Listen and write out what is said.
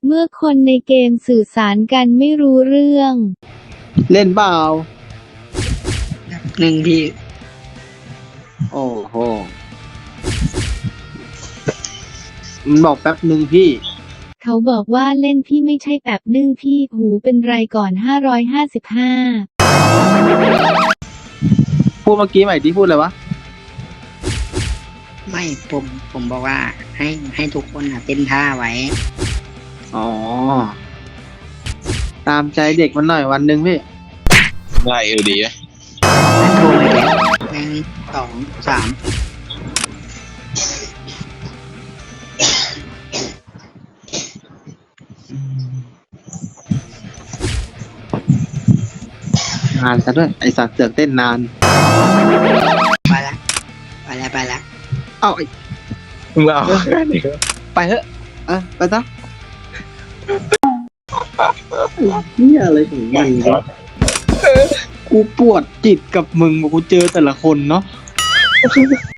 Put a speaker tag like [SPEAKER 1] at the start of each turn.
[SPEAKER 1] เมื่อคนในเกมสื่อสารกันไม่รู้เรื่อง
[SPEAKER 2] เล่นเปล่า
[SPEAKER 3] หนึ่งพี่
[SPEAKER 2] โอ้โหมันบอกแป๊บหนึ่งพี่
[SPEAKER 1] เขาบอกว่าเล่นพี่ไม่ใช่แบบนึ่งพี่หูเป็นไรก่อน555
[SPEAKER 2] พูดเมื่อกี้ใหม่ที่พูดเลยวะ
[SPEAKER 3] ไม่ผมบอกว่าให้ทุกคนเต้นท่าไว้
[SPEAKER 2] อ๋อ ตามใจเด็กมันหน่อยวันหนึ่งพี่
[SPEAKER 4] ได้ดีนะ
[SPEAKER 3] โทรมาเลยหนึ่งสองสาม
[SPEAKER 2] นานซะด้วย ไอสัตว์เสือกเต้นนาน
[SPEAKER 3] ไปละไปละ
[SPEAKER 2] เอาไอ้
[SPEAKER 4] มึงเอาแค่นี้
[SPEAKER 2] ไปเถอะไปซะนี่อะไรของมันวะกูปวดจิตกับมึงกูเจอแต่ละคนเนาะ